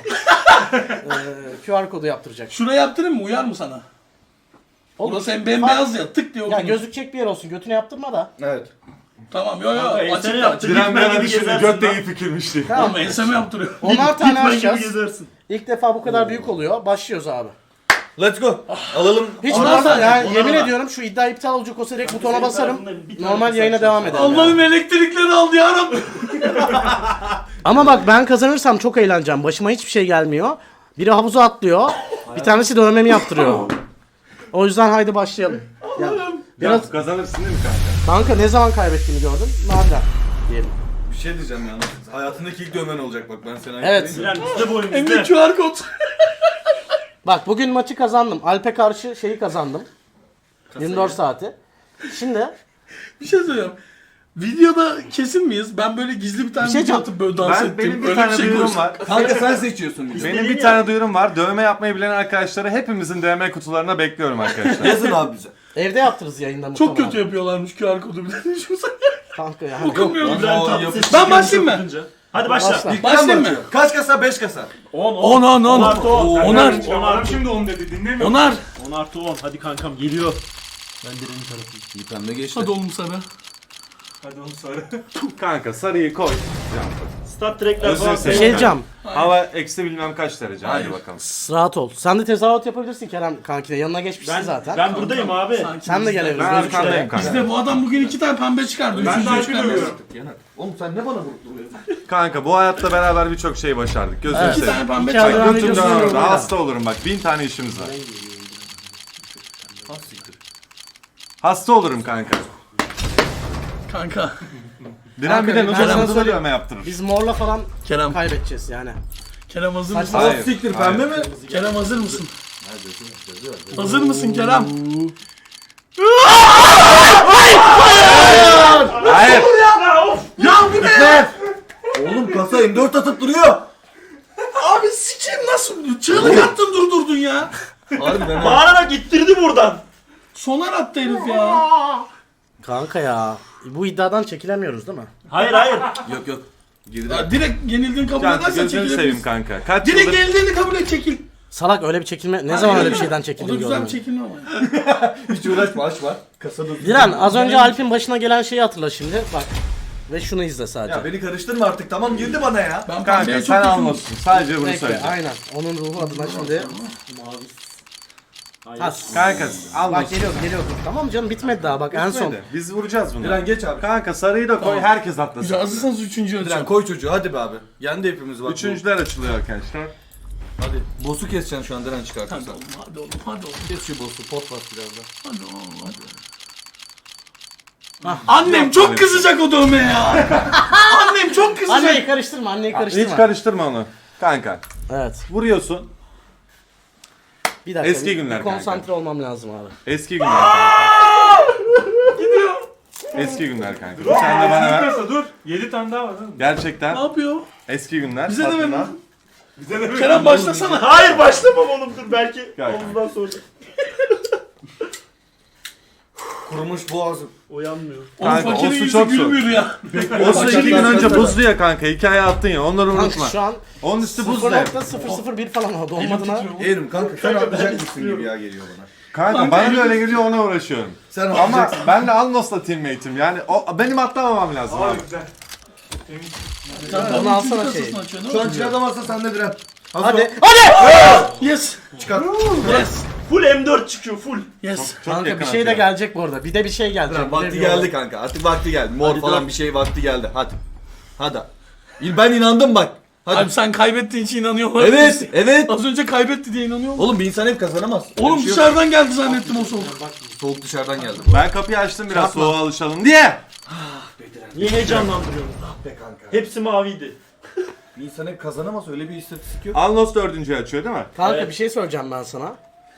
Speaker 1: QR kodu yaptıracak.
Speaker 5: Şuraya yaptırayım mı? Uyar mı sana?
Speaker 1: Olur.
Speaker 5: Burası hem bembeyaz ya tık diye
Speaker 1: Ya
Speaker 5: okunur.
Speaker 1: gözükecek bir yer olsun götüne yaptırma da.
Speaker 2: Evet.
Speaker 5: Tamam yo yo
Speaker 4: Kanka ensene
Speaker 5: açıkta
Speaker 4: yap.
Speaker 5: açık.
Speaker 3: Diren
Speaker 4: Gitmen
Speaker 3: bir
Speaker 4: gibi
Speaker 3: düşündü.
Speaker 4: gezersin
Speaker 3: Göt de
Speaker 4: lan.
Speaker 3: iyi fikirmişti.
Speaker 1: Tamam.
Speaker 5: Ama enseme yaptırıyor.
Speaker 1: 10'ar tane
Speaker 4: Gitmen gibi
Speaker 1: açacağız.
Speaker 4: gezersin.
Speaker 1: İlk defa bu kadar büyük oluyor. Başlıyoruz abi.
Speaker 2: Let's go. Alalım.
Speaker 1: Hiç
Speaker 5: Ondan
Speaker 1: normal
Speaker 5: sonra-
Speaker 1: yani
Speaker 4: ondan
Speaker 1: yemin
Speaker 4: sonra-
Speaker 1: ediyorum şu iddia iptal olacak olsa direkt butona
Speaker 4: senin
Speaker 1: basarım.
Speaker 4: tarafında bir tane
Speaker 1: Normal
Speaker 4: kısa
Speaker 1: yayına
Speaker 4: açacağız.
Speaker 1: devam ederim.
Speaker 5: Allah'ım elektrikleri aldı yarabbim.
Speaker 1: Ama bak ben kazanırsam çok eğleneceğim. Başıma hiçbir şey gelmiyor. Biri havuza atlıyor. Bir tanesi dövmemi yaptırıyor. O yüzden haydi başlayalım. Ya, biraz
Speaker 3: Biraz kazanırsın değil mi kanka?
Speaker 1: kanka ne zaman kaybettiğini gördün? Nadir diyelim.
Speaker 2: Bir şey diyeceğim yalnız. Hayatındaki ilk dövmen olacak bak ben sana.
Speaker 1: Evet.
Speaker 4: Diren bizde bu oyun
Speaker 5: Hem de
Speaker 4: bizde.
Speaker 5: QR kod.
Speaker 1: Bak bugün maçı kazandım. Alp'e karşı şeyi kazandım. 24 saati. Şimdi
Speaker 5: Bir şey söyleyeyim. Videoda kesin miyiz? Ben böyle gizli bir tane
Speaker 1: Bir şey
Speaker 5: video
Speaker 1: diyeceğim.
Speaker 5: atıp böyle dans ettim.
Speaker 3: Benim bir
Speaker 5: Öyle
Speaker 3: tane
Speaker 5: şey
Speaker 3: duyurum
Speaker 5: koysam.
Speaker 3: var.
Speaker 2: Kanka sen seçiyorsun bizi.
Speaker 3: Benim bir tane duyurum var. Dövme yapmayı bilen arkadaşları hepimizin DM kutularına bekliyorum arkadaşlar.
Speaker 2: Yazın abi bize.
Speaker 1: evde yaptırırız yayında
Speaker 5: Çok
Speaker 1: muhtemelen.
Speaker 5: kötü yapıyorlarmış QR kodu bir de düşünsene.
Speaker 1: Kanka yani.
Speaker 5: Okunmuyor mu?
Speaker 4: İbrahim
Speaker 2: Aa,
Speaker 4: Tatlıses
Speaker 5: Ben
Speaker 4: çıkıyor
Speaker 5: başlayayım mı?
Speaker 4: okuyunca. Hadi başla.
Speaker 1: Başla.
Speaker 5: Başlayayım mı?
Speaker 2: Kaç kasa? 5 kasa.
Speaker 4: 10
Speaker 5: 10
Speaker 4: artı 10.
Speaker 5: Onar.
Speaker 6: Adam şimdi 10 dedi dinlemiyor.
Speaker 5: Onar.
Speaker 4: 10 artı 10. Hadi kankam geliyor.
Speaker 2: İyi pembe geçti.
Speaker 5: Hadi oğlum sana.
Speaker 6: Hadi onu sarı.
Speaker 3: Kanka sarıyı koy.
Speaker 4: Start trackler
Speaker 3: Özür
Speaker 4: falan.
Speaker 1: Bir
Speaker 3: dilerim.
Speaker 1: şey diyeceğim.
Speaker 3: Hava eksi bilmem kaç derece. Hadi bakalım.
Speaker 1: Rahat ol. Sen de tezahürat yapabilirsin Kerem kankine. Yanına geçmişsin zaten.
Speaker 4: Ben buradayım abi.
Speaker 5: Sanki
Speaker 1: Sen de
Speaker 5: bizde-
Speaker 1: gelebilirsin.
Speaker 3: Ben arkandayım kanka.
Speaker 5: Bizde bu adam bugün 2 tane pembe çıkardı.
Speaker 6: Ben de
Speaker 5: Üçüncüyü
Speaker 6: Alp'i
Speaker 5: çıkarmıyor.
Speaker 6: dövüyorum.
Speaker 2: Oğlum sen ne bana vurup duruyorsun?
Speaker 3: Kanka bu hayatta beraber birçok şey başardık. Gözünü
Speaker 1: Evet.
Speaker 5: 2
Speaker 3: seveyim.
Speaker 5: tane pembe
Speaker 1: İki tane
Speaker 5: çıkardı.
Speaker 1: pembe
Speaker 3: Götümden
Speaker 1: videosunu
Speaker 3: orada
Speaker 1: görüyorum.
Speaker 3: hasta olurum bak. 1000 tane işimiz var. Hasta olurum kanka.
Speaker 5: Kanka.
Speaker 3: Diren bir de
Speaker 1: ben sana
Speaker 3: nuzulumuza
Speaker 1: söyleyeyim.
Speaker 3: dövme yaptırır.
Speaker 1: Biz morla falan
Speaker 5: Kerem.
Speaker 1: kaybedeceğiz yani.
Speaker 5: Kerem hazır mısın?
Speaker 1: Saçma.
Speaker 3: Hayır.
Speaker 2: Siktir pembe mi?
Speaker 5: Kerem hazır mısın? Hazır mısın Kerem?
Speaker 3: Hayır.
Speaker 5: Ya bu ne ya?
Speaker 2: Oğlum kasa M4 atıp duruyor.
Speaker 5: Abi sikeyim nasıl? Çığlık attın durdurdun ya.
Speaker 2: Harbiden ha.
Speaker 4: Bağırarak ittirdi buradan.
Speaker 5: Sonar attı herif ya.
Speaker 1: Kanka ya. Bu iddiadan çekilemiyoruz değil mi?
Speaker 4: Hayır hayır.
Speaker 2: Yok yok. Geride.
Speaker 5: Ya direkt yenildiğini kabul
Speaker 3: Cantu
Speaker 5: edersen
Speaker 3: gözünü seveyim
Speaker 5: çekilebilirsin.
Speaker 3: kanka. Kaç
Speaker 5: Direkt
Speaker 3: yıldır...
Speaker 5: yenildiğini kabul et çekil.
Speaker 1: Salak öyle bir çekilme. Ne zaman öyle bir şeyden
Speaker 5: O da
Speaker 1: çekildim
Speaker 5: güzel bir
Speaker 1: gördüm.
Speaker 5: çekilme ama.
Speaker 2: Hiç uğraşma aç var. Kasada.
Speaker 1: Diren az önce Alp'in başına gelen şeyi hatırla şimdi. Bak. Ve şunu izle sadece.
Speaker 2: Ya beni karıştırma artık tamam girdi bana ya.
Speaker 5: Ben
Speaker 3: Kanka
Speaker 5: pembeye çok
Speaker 3: sen
Speaker 5: yakınım.
Speaker 3: anlasın. Sadece bunu
Speaker 1: Bekle,
Speaker 3: söyleyeceğim.
Speaker 1: aynen. Onun ruhu adına şimdi.
Speaker 4: Hayır.
Speaker 1: Has.
Speaker 3: Kanka
Speaker 1: Bak
Speaker 3: anlasın.
Speaker 1: geliyor geliyor. Tamam canım bitmedi daha bak en son.
Speaker 3: Biz vuracağız bunu.
Speaker 2: Diren geç abi.
Speaker 3: Kanka sarıyı da koy herkes atlasın.
Speaker 5: Hazırsanız üçüncü
Speaker 2: Diren
Speaker 5: açacağım.
Speaker 2: koy çocuğu hadi be abi. Yendi hepimiz bak.
Speaker 3: Üçüncüler açılıyor arkadaşlar.
Speaker 2: Hadi. Boss'u keseceksin şu an Diren çıkartırsan.
Speaker 5: Hadi oğlum hadi oğlum hadi oğlum.
Speaker 2: Kes şu boss'u pot bas biraz da.
Speaker 5: Hadi oğlum hadi. Annem çok kızacak o dövmeye ya. Annem çok kızacak.
Speaker 1: Anneyi karıştırma anneyi karıştırma.
Speaker 3: Hiç karıştırma onu. Kanka
Speaker 1: Evet.
Speaker 3: vuruyorsun.
Speaker 1: Bir dakika.
Speaker 3: Eski günler
Speaker 1: bir konsantre olmam lazım abi.
Speaker 3: Eski günler kanka. Eski günler kanka. Bir tane de bana ver.
Speaker 6: Kasa dur. 7 tane daha var değil mi?
Speaker 3: Gerçekten
Speaker 5: Ne yapıyor?
Speaker 3: eski günler.
Speaker 5: Bize de
Speaker 3: Tadına.
Speaker 5: ver.
Speaker 6: Bize de
Speaker 5: Kerem başlasana.
Speaker 4: Hayır başlamam oğlum dur belki.
Speaker 3: Gel.
Speaker 4: Omuzdan sonra.
Speaker 2: Kurumuş boğazım.
Speaker 4: Uyanmıyor.
Speaker 5: Oğlum
Speaker 3: Kanka, o
Speaker 5: fakirin
Speaker 3: su
Speaker 5: yüzü
Speaker 3: çok soğuk.
Speaker 5: gülmüyor ya.
Speaker 3: O su 2 gün önce buzlu ya kanka. Hikaye attın ya. Onları unutma.
Speaker 1: Kanka şu an
Speaker 3: Onun üstü buzlu ya.
Speaker 1: 0.001 falan oldu. Olmadığına.
Speaker 2: Eğrim kanka sen atlayacak mısın gibi ya geliyor bana.
Speaker 3: Kanka bana da öyle geliyor ona uğraşıyorum.
Speaker 2: Sen
Speaker 3: Ama
Speaker 2: atlayacaksın.
Speaker 3: ben de Alnos'la teammate'im. Yani o, benim atlamamam lazım
Speaker 6: Aa
Speaker 3: abi.
Speaker 6: güzel.
Speaker 1: Onu alsana şeyi.
Speaker 2: Şu an çıkartamazsa sen de Diren.
Speaker 1: Hadi. Hadi.
Speaker 5: Yes.
Speaker 2: Çıkar.
Speaker 5: Yes.
Speaker 4: Full M4 çıkıyor full.
Speaker 5: Yes.
Speaker 3: Çok
Speaker 1: Kanka
Speaker 3: yakın
Speaker 1: bir şey de
Speaker 3: atıyor.
Speaker 1: gelecek bu arada. Bir de bir şey gelecek.
Speaker 2: Diren
Speaker 1: Bir de
Speaker 2: vakti
Speaker 1: bir
Speaker 2: geldi kanka artık vakti geldi. Mor
Speaker 1: Hadi
Speaker 2: falan
Speaker 1: dur.
Speaker 2: bir şey vakti geldi hadi. Hadi. Ben inandım bak. Hadi.
Speaker 5: Abi sen kaybettiğin için inanıyor olabilir
Speaker 2: Evet
Speaker 5: misin?
Speaker 2: evet.
Speaker 5: Az önce kaybetti diye inanıyor musun?
Speaker 2: Oğlum bir insan hep kazanamaz.
Speaker 5: Oğlum
Speaker 2: Bir şey yok.
Speaker 5: dışarıdan geldi zannettim o soğuk.
Speaker 2: Soğuk dışarıdan geldi.
Speaker 3: Ben kapıyı açtım biraz soğuğa alışalım diye.
Speaker 4: Niye heyecanlandırıyorsun?
Speaker 2: Be kanka.
Speaker 4: Hepsi maviydi.
Speaker 2: Bir insan hep kazanamaz öyle bir istatistik yok.
Speaker 3: Alnos dördüncüyü açıyor değil mi?
Speaker 1: Kanka
Speaker 4: Evet.
Speaker 1: bir şey söyleyeceğim ben sana.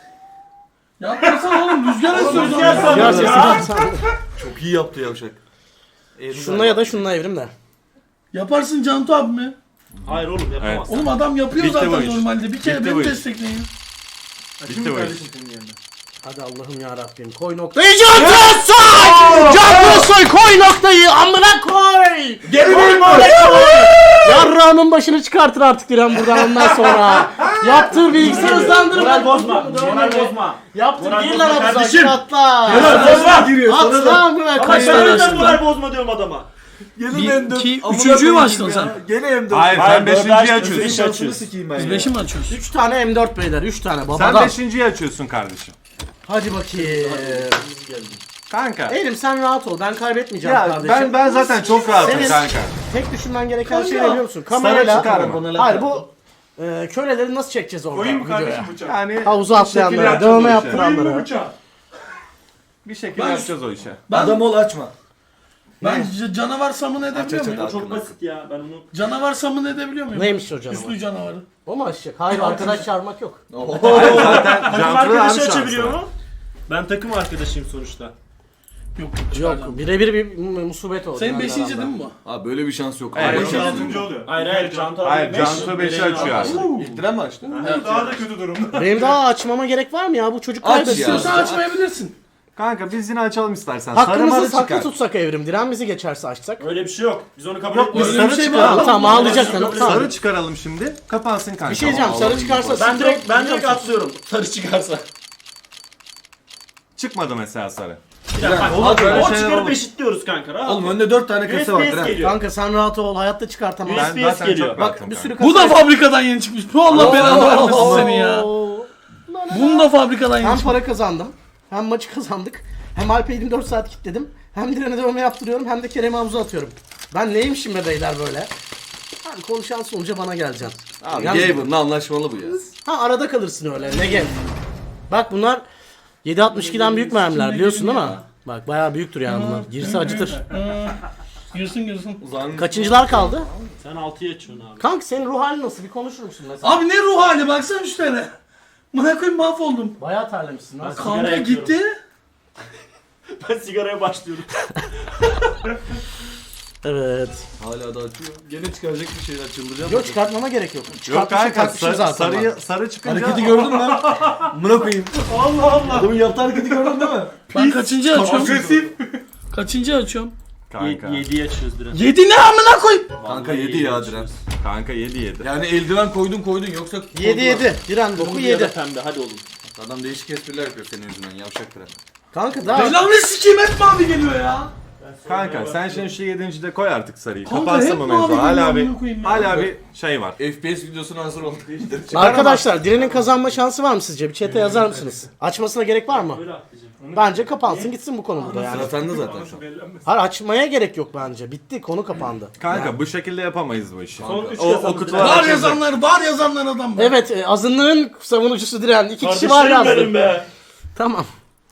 Speaker 5: Yapmasana oğlum rüzgar esiyor.
Speaker 4: Rüzgar
Speaker 5: zaten.
Speaker 4: sandım ya.
Speaker 2: Çok iyi yaptı yavşak.
Speaker 1: Şununla ya da şununla evrim de.
Speaker 5: Yaparsın Cantu abi mi?
Speaker 4: Hayır oğlum yapamaz.
Speaker 5: Oğlum adam yapıyor
Speaker 3: Bitti bu
Speaker 5: zaten
Speaker 3: iş.
Speaker 5: normalde. Bir kere
Speaker 3: Bitti
Speaker 5: beni
Speaker 3: bu iş.
Speaker 5: destekleyin.
Speaker 3: Bitti bu iş.
Speaker 1: Hadi Allah'ım ya Rabbim koy noktayı Cantu soy koy noktayı amına koy.
Speaker 4: Geri koyma.
Speaker 1: Yarrağımın başını çıkartır artık Diren buradan ondan sonra. Yaptır bilgisayar hızlandırma.
Speaker 4: Moral bozma. Moral bozma.
Speaker 1: Yaptır
Speaker 4: Moral
Speaker 1: gir
Speaker 4: bozma
Speaker 1: lan havuza
Speaker 4: kardeşim.
Speaker 1: gir atla.
Speaker 4: Bozma.
Speaker 2: Giriyor sana
Speaker 1: Atla
Speaker 2: da.
Speaker 1: amına
Speaker 4: Kaç
Speaker 1: koy.
Speaker 5: tane
Speaker 4: tane
Speaker 5: açtın
Speaker 4: moral bozma diyorum adama.
Speaker 2: Gene
Speaker 5: Bir,
Speaker 2: M4.
Speaker 5: iki,
Speaker 2: Amına
Speaker 5: üçüncüyü mü
Speaker 2: koyayım
Speaker 5: açtın
Speaker 2: ya.
Speaker 5: sen?
Speaker 2: Gene M4.
Speaker 3: Hayır
Speaker 4: Hayır,
Speaker 3: sen beşinciyi
Speaker 4: dördü açtın,
Speaker 3: açıyorsun.
Speaker 4: beş
Speaker 2: Şansını
Speaker 4: açıyorsun.
Speaker 2: sikeyim ben
Speaker 5: Biz
Speaker 2: ya.
Speaker 5: 5'i mi açıyoruz?
Speaker 1: 3 tane M4 beyler 3 tane
Speaker 3: Sen
Speaker 1: babadan.
Speaker 3: beşinciyi açıyorsun kardeşim.
Speaker 1: Hadi bakayım.
Speaker 3: Kanka.
Speaker 1: Elim sen rahat ol ben kaybetmeyeceğim
Speaker 3: Ya
Speaker 1: kardeşim.
Speaker 3: ben zaten çok rahatım
Speaker 1: Senin-
Speaker 3: kanka.
Speaker 1: Tek düşünmen gereken şey ne
Speaker 5: Kanka.
Speaker 1: biliyor musun?
Speaker 3: Sarı
Speaker 1: Kamerayla.
Speaker 3: çıkarma.
Speaker 1: Hayır bu köleleri nasıl çekeceğiz orada
Speaker 6: Koyayım mı
Speaker 1: videoya?
Speaker 6: kardeşim bıçağı?
Speaker 3: Yani
Speaker 1: Havuza
Speaker 3: bir şekilde
Speaker 1: atlayanlara,
Speaker 3: yapacağız
Speaker 1: dövme
Speaker 3: o işi.
Speaker 1: yaptıranlara.
Speaker 6: Koyayım mı bıçağı?
Speaker 3: Bir şekilde
Speaker 5: Ben-
Speaker 3: yapacağız o işe.
Speaker 2: Adam ol açma.
Speaker 5: Ben canavar samını edebiliyor
Speaker 2: aç,
Speaker 5: muyum?
Speaker 2: aç.
Speaker 4: Çok basit ya ben onu.
Speaker 5: Canavar samını edebiliyor muyum?
Speaker 1: Neymiş o canavar?
Speaker 5: Üslü canavarı.
Speaker 1: O mu açacak? Hayır arkadaş çağırmak yok.
Speaker 3: Zaten
Speaker 4: Takım
Speaker 3: Cantu'da
Speaker 4: arkadaşı
Speaker 3: aynı
Speaker 4: açabiliyor
Speaker 3: şans var.
Speaker 4: mu? Ben takım arkadaşıyım sonuçta.
Speaker 5: Yok
Speaker 1: Yok birebir bir musibet oldu.
Speaker 5: Senin
Speaker 1: yani
Speaker 5: 5.
Speaker 1: aranda.
Speaker 5: değil mi bu?
Speaker 2: Abi böyle bir şans yok.
Speaker 3: Evet.
Speaker 2: Abi,
Speaker 6: Beş altıncı oluyor.
Speaker 4: Hayır Cantu abi
Speaker 3: Hayır
Speaker 4: beş,
Speaker 3: Cantu 5'i
Speaker 4: Eren'in
Speaker 3: açıyor
Speaker 4: altı.
Speaker 3: abi.
Speaker 2: İlk Diren mi açtı?
Speaker 6: Daha da kötü durumda.
Speaker 1: Benim daha açmama gerek var mı ya? Bu çocuk
Speaker 2: Aç
Speaker 1: kaybediyor.
Speaker 2: ya.
Speaker 5: İstiyorsan açmayabilirsin.
Speaker 3: Kanka biz yine açalım istersen. Sarı
Speaker 1: Hakkımızı
Speaker 3: marı
Speaker 1: saklı
Speaker 3: çıkar.
Speaker 1: tutsak Evrim. Diren bizi geçerse açsak.
Speaker 4: Öyle bir şey yok. Biz onu kabul
Speaker 3: Yok,
Speaker 4: etmiyoruz.
Speaker 3: sarı
Speaker 5: şey
Speaker 3: çıkaralım.
Speaker 5: var.
Speaker 1: Tamam ağlayacak canım. Tamam.
Speaker 3: Sarı çıkaralım şimdi. Kapansın kanka.
Speaker 1: Bir şey diyeceğim. Sarı çıkarsa
Speaker 4: Ben direkt atlıyorum. Sarı çıkarsa.
Speaker 3: Çıkmadı mesela sarı.
Speaker 4: Bir dakika,
Speaker 2: Oğlum,
Speaker 4: bak,
Speaker 2: böyle
Speaker 4: o
Speaker 2: şeyler
Speaker 4: çıkarıp
Speaker 2: olur.
Speaker 4: eşitliyoruz kanka. Rahat.
Speaker 2: Oğlum önde 4 tane kasa var.
Speaker 4: USPS
Speaker 2: Diren.
Speaker 4: geliyor.
Speaker 1: Kanka sen rahat ol. Hayatta çıkartamam.
Speaker 4: Ben-
Speaker 3: Ben
Speaker 4: USPS
Speaker 3: zaten
Speaker 4: geliyor.
Speaker 3: çok
Speaker 1: Bak
Speaker 3: rahatım
Speaker 1: bir sürü
Speaker 3: kanka.
Speaker 5: Bu da fabrikadan yeni çıkmış. Bu Allah belanı vermesin seni ya. Bunu da fabrikadan yeni
Speaker 1: Hem
Speaker 5: çıkmış.
Speaker 1: para kazandım. Hem maçı kazandık. Hem Alp'e 24 saat kilitledim. Hem Diren'e dövme yaptırıyorum. Hem de Kerem'e havuza atıyorum. Ben neymişim be beyler böyle? Abi konuşan sonuca bana geleceksin.
Speaker 2: Abi
Speaker 1: Yalnız-
Speaker 2: Gaben'la anlaşmalı bu ya.
Speaker 1: Ha arada kalırsın öyle. Ne gel. Bak bunlar 7.62'den büyük mermiler biliyorsun değil mi? Bak bayağı büyüktür yani bunlar. Girse acıtır.
Speaker 5: Girsin.
Speaker 1: Kaçıncılar kaldı?
Speaker 4: Sen 6'ya açıyorsun abi.
Speaker 1: Kanka senin ruh halin nasıl? Bir konuşur musun mesela?
Speaker 5: Abi ne ruh hali baksana şu tane. Buna koyayım mahvoldum.
Speaker 1: Bayağı terlemişsin lan.
Speaker 4: Sigara
Speaker 5: Kanka
Speaker 4: yakıyorum.
Speaker 5: gitti.
Speaker 4: Ben sigaraya başlıyorum.
Speaker 1: Evet.
Speaker 2: Hala da açıyor. Gene çıkaracak bir şeyler çıldıracağım.
Speaker 1: Yok çıkartmama gerek yok.
Speaker 3: Yok
Speaker 1: Çıkartmışım
Speaker 3: kanka
Speaker 1: kalkmışım zaten.
Speaker 3: sarı çıkınca.
Speaker 2: Hareketi gördün mü? Mına koyayım.
Speaker 4: Allah Allah.
Speaker 2: Adamın yaptığı hareketi gördün değil mi?
Speaker 5: Ben kaçıncı açıyorum?
Speaker 6: Agresif.
Speaker 5: Kaçıncı açıyorum?
Speaker 3: Kanka.
Speaker 4: 7'yi açıyoruz direkt.
Speaker 5: 7 ne amına koyayım?
Speaker 2: Kanka 7 ya Diren.
Speaker 3: Kanka 7.
Speaker 2: Yani eldiven koydun yoksa...
Speaker 1: 7-7. Diren boku
Speaker 4: Bu 7.
Speaker 1: 7.
Speaker 4: Pembe hadi oğlum.
Speaker 2: Adam değişik espriler yapıyor senin yüzünden yavşak Diren.
Speaker 1: Kanka daha...
Speaker 5: Belanı sikeyim hep mavi geliyor ya.
Speaker 3: Kanka sen şimdi şu 7. de koy artık sarıyı.
Speaker 5: Kanka,
Speaker 3: Kapansın
Speaker 5: hep
Speaker 3: bu
Speaker 5: mavi
Speaker 3: mevzu. Hala
Speaker 5: geliyor,
Speaker 3: bir
Speaker 5: amına koyayım ya.
Speaker 3: hala bir şey var.
Speaker 2: FPS videosuna hazır olduk.
Speaker 1: Arkadaşlar Diren'in kazanma şansı var mı sizce? Bir chat'e yazar mısınız? Açmasına gerek var mı?
Speaker 4: Böyle atlayacağım.
Speaker 1: Bence kapansın gitsin bu konu burada yani.
Speaker 2: Sıra sende zaten şu an.
Speaker 1: Hayır açmaya gerek yok bence. Bitti konu kapandı.
Speaker 3: Kanka bu şekilde yapamayız bu işi.
Speaker 4: Son 3
Speaker 3: O
Speaker 4: kasamız
Speaker 3: kutular
Speaker 4: direkt.
Speaker 5: Var yazanlar adam var.
Speaker 1: Evet azınlığın savunucusu Diren. 2 kişi var
Speaker 4: Kardeşlerim
Speaker 1: yazdı.
Speaker 4: benim be.
Speaker 1: Tamam.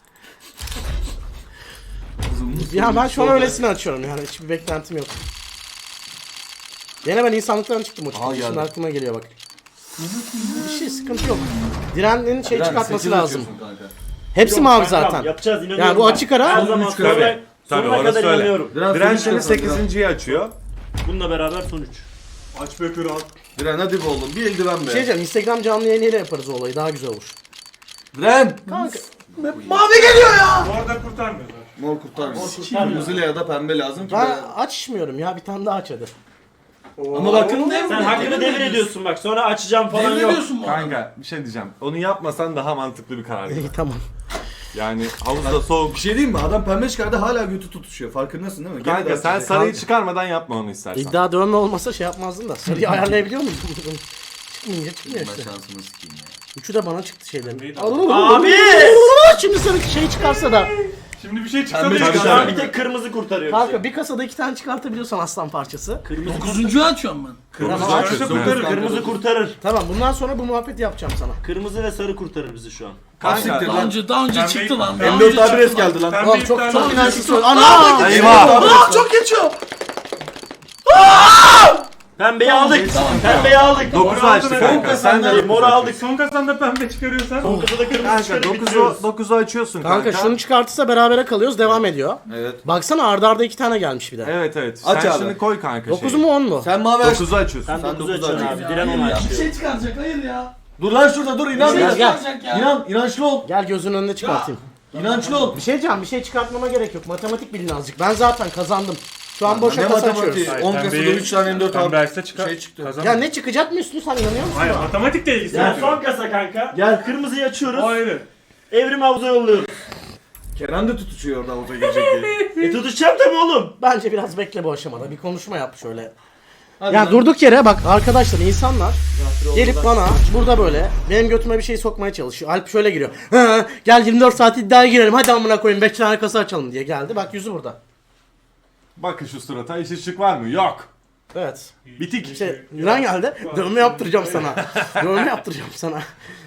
Speaker 1: Ya ben şu an öylesine açıyorum yani hiçbir beklentim yok. Gene ben insanlıktan çıktım o çıktı.
Speaker 2: geldi.
Speaker 1: Şimdi aklıma geliyor bak. Bir şey sıkıntı yok. Diren'in şey
Speaker 2: Diren,
Speaker 1: çıkartması
Speaker 2: sekiz
Speaker 1: lazım.
Speaker 2: atıyorsun kanka.
Speaker 1: Hepsi
Speaker 4: Yok,
Speaker 1: mavi
Speaker 4: kankam,
Speaker 1: zaten.
Speaker 4: Yapacağız inanıyorum.
Speaker 1: Yani bu
Speaker 4: ben.
Speaker 1: açık ara.
Speaker 4: Her zaman
Speaker 2: çıkar.
Speaker 4: sonra,
Speaker 3: Tabii
Speaker 4: sonuna
Speaker 3: orası
Speaker 4: kadar
Speaker 3: öyle.
Speaker 4: inanıyorum.
Speaker 3: Diren
Speaker 2: sonuç
Speaker 3: şimdi
Speaker 2: yapalım,
Speaker 3: 8.yi açıyor.
Speaker 4: Bununla beraber son 3.
Speaker 6: Aç be kral.
Speaker 2: Diren hadi be oğlum bir eldiven
Speaker 1: Bir şey
Speaker 2: be.
Speaker 1: diyeceğim Instagram canlı yayınıyla yaparız o olayı daha güzel olur.
Speaker 2: Diren!
Speaker 1: Kanka
Speaker 5: Mavi geliyor ya.
Speaker 6: Bu arada kurtarmıyor.
Speaker 2: Mor kurtarmıyor.
Speaker 4: kurtarmıyor.
Speaker 2: Kırmızı ya da pembe lazım ki
Speaker 1: ben
Speaker 2: ben...
Speaker 1: açmıyorum ya bir tane daha aç hadi.
Speaker 2: Ama bakın
Speaker 4: Sen hakkını devir ediyorsun bak sonra açacağım falan yok.
Speaker 5: Deviriyorsun mu?
Speaker 3: Kanka bir şey diyeceğim. Onu yapmasan daha mantıklı bir karar.
Speaker 1: İyi tamam.
Speaker 3: Yani havuzda soğuk.
Speaker 2: bir şey diyeyim mi? Adam pembe çıkardı hala götü tutuşuyor. Farkındasın değil mi? Gene
Speaker 3: Kanka
Speaker 2: de
Speaker 3: sen
Speaker 2: açacak.
Speaker 3: sarıyı çıkarmadan yapma onu istersen.
Speaker 1: İddia dövme olmasa şey yapmazdın da. Sarıyı ayarlayabiliyor muydun? Çıkmayınca çıkmıyor
Speaker 2: Ben
Speaker 1: işte.
Speaker 2: şansımı sikeyim ya.
Speaker 1: Üçü de bana çıktı şeylerin.
Speaker 4: Abi!
Speaker 1: Şimdi sarı şey çıkarsa da.
Speaker 6: Şimdi bir şey çıksa
Speaker 2: Pembe
Speaker 6: da
Speaker 2: çıkarsa-
Speaker 6: çıkar.
Speaker 4: Bir tek kırmızı kurtarıyor
Speaker 1: Kanka
Speaker 4: bizi.
Speaker 1: bir kasada 2 tane çıkartabiliyorsan aslan parçası.
Speaker 4: Kırmızı,
Speaker 5: 9'uncuyu açıyorum ben.
Speaker 3: Kırmızı
Speaker 1: Tamam,
Speaker 3: açıyorsun.
Speaker 6: kurtarır,
Speaker 3: Evet.
Speaker 4: kırmızı kurtarır.
Speaker 1: Tamam bundan sonra bu muhabbeti yapacağım sana.
Speaker 4: Kırmızı ve sarı kurtarır bizi şu an.
Speaker 3: Kanka.
Speaker 5: Daha önce
Speaker 6: Pembe-
Speaker 5: çıktı lan.
Speaker 2: M4 adres geldi lan.
Speaker 6: Pembe
Speaker 1: Oğlum çok
Speaker 6: iptal
Speaker 1: çok
Speaker 6: oldu.
Speaker 1: inançsız söyle. Ana!
Speaker 3: Eyvah.
Speaker 5: Çok geçiyor.
Speaker 4: Pembeyi aldık. Pembeyi aldık.
Speaker 3: 9'u açtı kanka. Sen de
Speaker 4: Moru aldık.
Speaker 6: Son kasanda pembe çıkarıyorsan.
Speaker 4: Son kasada kırmızı
Speaker 3: Kanka
Speaker 4: çıkarıp
Speaker 3: 9'u
Speaker 4: bitiriyoruz.
Speaker 3: 9'u açıyorsun kanka.
Speaker 1: Kanka şunu çıkartırsa berabere kalıyoruz devam ediyor.
Speaker 2: Evet.
Speaker 1: Baksana arda arda 2 tane gelmiş bir de.
Speaker 3: Evet evet.
Speaker 2: Aç
Speaker 3: Sen
Speaker 2: abi.
Speaker 3: şunu koy kanka
Speaker 1: 9
Speaker 3: şeyi.
Speaker 1: mu 10 mu?
Speaker 2: Sen mavi aç.
Speaker 3: 9'u açıyorsun.
Speaker 4: Sen
Speaker 2: Sen
Speaker 4: 9'u
Speaker 2: dokuzu
Speaker 4: açıyorsun
Speaker 2: açıyorsun.
Speaker 4: abi. Diren onu
Speaker 5: Bir
Speaker 4: açıyor.
Speaker 5: şey çıkaracak hayır ya.
Speaker 2: Dur lan şurada dur inan.
Speaker 5: Bir
Speaker 1: Gel,
Speaker 5: şey
Speaker 1: gel.
Speaker 5: çıkaracak ya.
Speaker 2: İnançlı ol.
Speaker 1: Gel gözünün önünde çıkartayım.
Speaker 2: İnançlı ol.
Speaker 1: Bir şey diyeceğim bir şey çıkartmama gerek yok. Matematik bilin azıcık. Ben zaten kazandım. Şu an boşa
Speaker 2: Ne
Speaker 1: kasa
Speaker 2: matematiği?
Speaker 1: açıyoruz.
Speaker 2: 10 kasada 3 tane M4
Speaker 6: Pembe
Speaker 2: aldı.
Speaker 6: açsa çıkar.
Speaker 2: Şey çıktı.
Speaker 6: Kazan.
Speaker 1: Ya ne çıkacak mı üstüne sen inanıyor musun?
Speaker 6: Hayır matematikle ilgisi
Speaker 4: Yani
Speaker 6: yok.
Speaker 4: son kasa kanka.
Speaker 2: Gel.
Speaker 4: Kırmızıyı açıyoruz.
Speaker 6: Hayır.
Speaker 4: Evrim havuza yolluyoruz.
Speaker 2: Kenan da tutuşuyor orada havuza girecek diye.
Speaker 4: Tutuşacağım tabii oğlum.
Speaker 1: Bence biraz bekle bu aşamada. Bir konuşma yap şöyle. Yani durduk yere bak arkadaşlar insanlar gelip bana burada böyle benim götüme bir şey sokmaya çalışıyor. Alp şöyle giriyor. "Hı, gel 24 saat iddiaya girelim hadi amına koyayım 5 tane kasa açalım diye geldi. Bak yüzü burada.
Speaker 3: Bakın şu surata iş ışık var mı? Yok.
Speaker 1: Evet.
Speaker 3: Bitik.
Speaker 1: İşte Yunan geldi. Dövme yaptıracağım sana. Dövme yaptıracağım sana.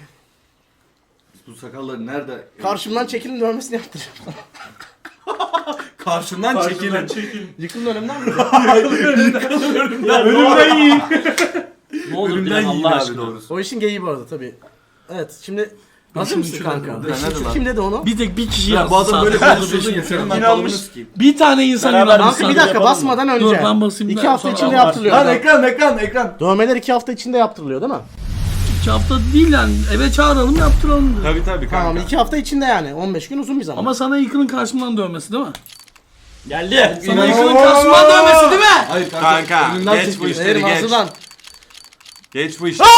Speaker 2: Bu sakalları nerede?
Speaker 1: Karşımdan çekilin dövmesini yaptıracağım sana.
Speaker 2: Karşımdan çekilin.
Speaker 1: Yıkılın önümden mi?
Speaker 6: Ölümden yiyin.
Speaker 5: Ne olur
Speaker 2: Ölümden
Speaker 5: Dilan
Speaker 2: yiyin
Speaker 5: Allah
Speaker 2: abi
Speaker 5: aşkına.
Speaker 2: doğrusu.
Speaker 1: O işin geyiği bu arada tabii. Evet şimdi hazır
Speaker 2: Şimdi
Speaker 1: mısın
Speaker 2: şurada
Speaker 1: kanka?
Speaker 2: dur,
Speaker 1: Beşinci
Speaker 2: nerede lan?
Speaker 1: kim dedi onu?
Speaker 5: Bir tek bir kişi
Speaker 2: Ya
Speaker 5: yazdı.
Speaker 2: bu adam böyle
Speaker 5: sadece.
Speaker 2: konuşuyorsun ya senin ben
Speaker 4: İnanmış.
Speaker 2: balını sikeyim.
Speaker 5: Bir tane insan
Speaker 4: Beraber
Speaker 5: inanmış.
Speaker 1: Kanka bir
Speaker 5: sadece.
Speaker 1: dakika
Speaker 4: yapalım
Speaker 1: basmadan önce.
Speaker 5: Dur, ben basayım
Speaker 1: 2
Speaker 5: da
Speaker 1: hafta
Speaker 5: sonra
Speaker 1: içinde
Speaker 5: Allah
Speaker 1: yaptırılıyor.
Speaker 2: Lan ekran.
Speaker 1: Dövmeler 2 hafta içinde yaptırılıyor değil mi?
Speaker 5: 2 hafta değil yani. Eve çağıralım yaptıralım diyor.
Speaker 3: Tabii tabii kanka.
Speaker 1: Tamam 2 hafta içinde yani. 15 gün uzun bir zaman.
Speaker 5: Ama sana Yıkıl'ın karşımdan dövmesi değil mi?
Speaker 4: Geldi.
Speaker 5: Sana Yıkıl'ın karşımdan dövmesi değil mi?
Speaker 2: Hayır
Speaker 3: Kanka
Speaker 2: önünden
Speaker 3: geç bu
Speaker 2: çekiyor.
Speaker 3: işleri
Speaker 1: Verim
Speaker 3: geç.
Speaker 1: ağzından.
Speaker 3: Geç bu işleri.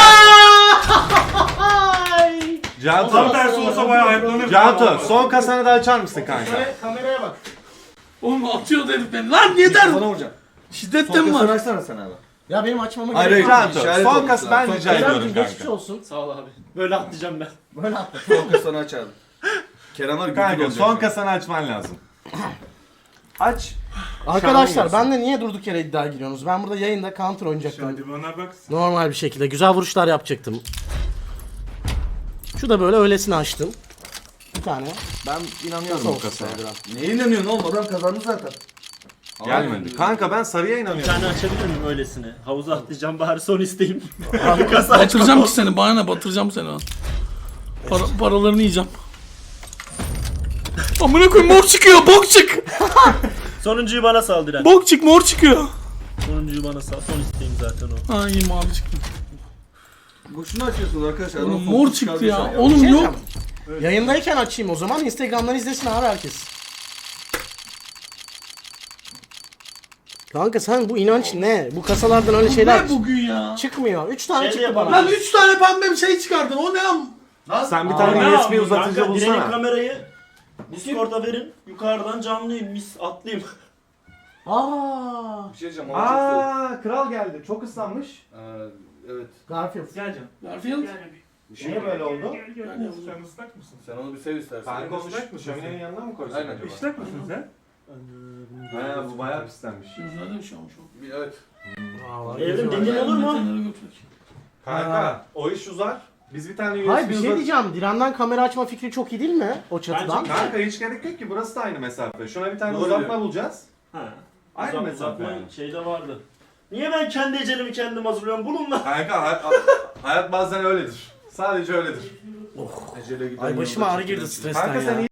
Speaker 6: Tam
Speaker 3: Cantu.
Speaker 6: tersi olsa bayağı ayıplanır.
Speaker 3: Cantu son kasanı da açar mısın kanka?
Speaker 1: Kameraya bak.
Speaker 5: Oğlum atıyor herif beni. Lan yeter.
Speaker 2: Sana vuracağım.
Speaker 5: Şiddetten mi
Speaker 2: Fokusunu
Speaker 5: var?
Speaker 2: açsana sen abi.
Speaker 1: Ya benim açmama
Speaker 2: Hayır,
Speaker 1: gerek
Speaker 2: hayır.
Speaker 1: yok.
Speaker 3: Cantu
Speaker 2: İşaret
Speaker 3: son
Speaker 2: olmuş
Speaker 3: kası ben
Speaker 2: lazım.
Speaker 3: rica ediyorum
Speaker 1: Kerem'cim geçmiş
Speaker 3: kanka.
Speaker 1: olsun.
Speaker 4: Sağ ol abi. Böyle atlayacağım ben.
Speaker 1: Böyle atla.
Speaker 2: Fokusunu aç abi. Kerem var güldür
Speaker 3: Kanka
Speaker 2: olacak.
Speaker 3: son kasanı açman lazım. Aç.
Speaker 1: Arkadaşlar benle niye durduk yere iddia giriyorsunuz? Ben burada yayında counter oynayacaktım.
Speaker 6: Hadi bana bak.
Speaker 1: Normal bir şekilde güzel vuruşlar yapacaktım. Şu da böyle öylesine açtım. Bir tane.
Speaker 3: Ben inanıyorum
Speaker 1: Soğuk
Speaker 3: bu kasaya.
Speaker 1: biraz.
Speaker 2: Neye inanıyorsun oğlum? Adam kazandı zaten.
Speaker 3: Gelmedi. Kanka ben sarıya
Speaker 4: Bir
Speaker 3: inanıyorum.
Speaker 4: tane açabilir miyim öylesine? Havuza atlayacağım bari son isteğim.
Speaker 5: Batıracağım ki seni. Bana ne batıracağım seni lan. Paralarını yiyeceğim. Amına koyayım mor çıkıyor. Bok çık.
Speaker 4: Sonuncuyu bana sal Diren.
Speaker 5: Bok çık mor çıkıyor.
Speaker 4: Sonuncuyu bana sal. Son isteğim zaten o.
Speaker 5: Ha iyi mavi çıktı.
Speaker 2: Boşuna açıyorsunuz arkadaşlar.
Speaker 5: Oğlum
Speaker 2: Adam
Speaker 5: mor
Speaker 2: fokus
Speaker 5: çıktı
Speaker 2: çıkardı
Speaker 5: ya.
Speaker 2: şu an.
Speaker 5: Oğlum
Speaker 1: Şey
Speaker 5: yok.
Speaker 1: diyeceğim. Yayındayken açayım o zaman. Instagram'dan izlesin abi herkes. Kanka sen bu inanç ne? Bu kasalardan öyle şeyler
Speaker 5: Ne bugün ya?
Speaker 1: çıkmıyor. 3 tane
Speaker 4: Şey de
Speaker 1: çıktı
Speaker 4: yapalım.
Speaker 1: bana.
Speaker 5: Lan 3 tane pembe bir şey çıkardın. O ne am?
Speaker 3: Sen bir
Speaker 1: Aa,
Speaker 3: tane
Speaker 4: Ne
Speaker 3: USB
Speaker 4: yapayım
Speaker 3: uzatıcı
Speaker 4: kanka? Diren'in
Speaker 3: bulsana.
Speaker 4: kamerayı Discord'a verin. Yukarıdan canlıyım. Mis atlayayım.
Speaker 1: Aa,
Speaker 2: Bir şey diyeceğim. hava çok soğuk.
Speaker 3: Aa kral geldi. Çok ıslanmış.
Speaker 2: Evet.
Speaker 1: Garfield.
Speaker 5: Garfield.
Speaker 3: Niye böyle oldu?
Speaker 6: Sen ıslak mısın?
Speaker 2: Sen onu bir sev istersen.
Speaker 3: Kanka onu
Speaker 6: Islak mısın
Speaker 3: şöminenin
Speaker 6: sen?
Speaker 3: yanına mı koysak
Speaker 2: Aynen.
Speaker 3: acaba?
Speaker 6: Islak mısın sen?
Speaker 3: Ha bu bayağı pislenmiş.
Speaker 5: Gözlerden şu an şu.
Speaker 2: Evet.
Speaker 4: Evrim dediğin olur mu?
Speaker 5: Metinleri götür.
Speaker 3: Kanka o iş uzar. Biz bir tane USB
Speaker 1: Hayır bir şey diyeceğim. Diren'den kamera açma fikri çok iyi değil mi? O çatıdan.
Speaker 4: Bence-
Speaker 3: Kanka hiç gerek yok ki burası da aynı mesafe. Şuna bir tane
Speaker 2: Doğru
Speaker 3: uzatma
Speaker 2: diyor.
Speaker 3: bulacağız.
Speaker 4: Ha.
Speaker 3: Aynı
Speaker 4: Uzat-
Speaker 3: mesafe
Speaker 4: uzatma
Speaker 3: yani.
Speaker 4: şeyde vardı. Niye ben kendi ecelimi kendim hazırlıyorum? Bulun lan.
Speaker 3: Kanka hayat bazen öyledir. Sadece öyledir.
Speaker 2: Ecele giden
Speaker 1: Ay başıma
Speaker 2: yolda
Speaker 1: ağrı girdi
Speaker 2: çekilen-
Speaker 1: stresten
Speaker 3: Kanka
Speaker 1: ya.
Speaker 3: sen